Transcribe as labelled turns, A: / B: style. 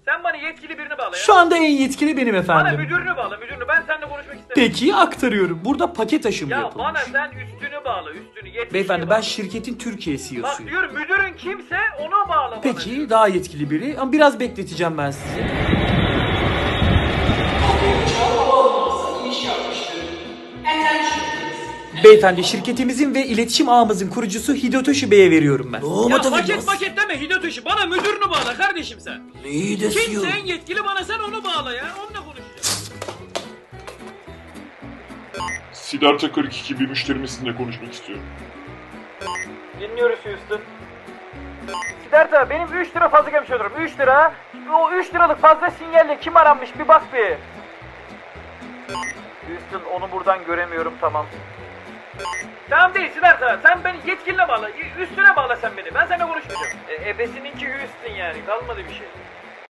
A: Sen bana yetkili birini bağla ya.
B: Şu anda en yetkili benim
A: Bana
B: efendim.
A: müdürünü bağla, müdürünü. Ben seninle konuşmak istemiyorum.
B: Peki aktarıyorum. Burada paket aşımı
A: Ya
B: yapılmış.
A: bana sen üstünü bağla, üstünü. Yetkili
B: Beyefendi
A: bağla.
B: ben şirketin Türkiye
A: Bak
B: CEO'suyum.
A: diyorum müdürün kimse ona bağla bana.
B: Peki daha yetkili biri ama biraz bekleteceğim ben sizi. Beyefendi şirketimizin ve iletişim ağımızın kurucusu Hidotoshi Bey'e veriyorum ben.
A: Ya paket deme Hidotoshi. Bana müdürünü bağla kardeşim sen. Kimse en yetkili bana sen onu bağla ya. Onunla konuşacağım.
C: Siddhartha 42 bir müşterimizle konuşmak istiyorum.
A: Dinliyoruz Houston. Siddhartha benim 3 lira fazla gelmiş olurum. 3 lira. O 3 liralık fazla sinyalle kim aranmış bir bak bir. Houston onu buradan göremiyorum tamam. Tamam değil Siddhartha. Sen beni yetkiline bağla. Üstüne bağla sen beni. Ben seninle konuşmayacağım. Ebesininki Houston yani. Kalmadı bir şey.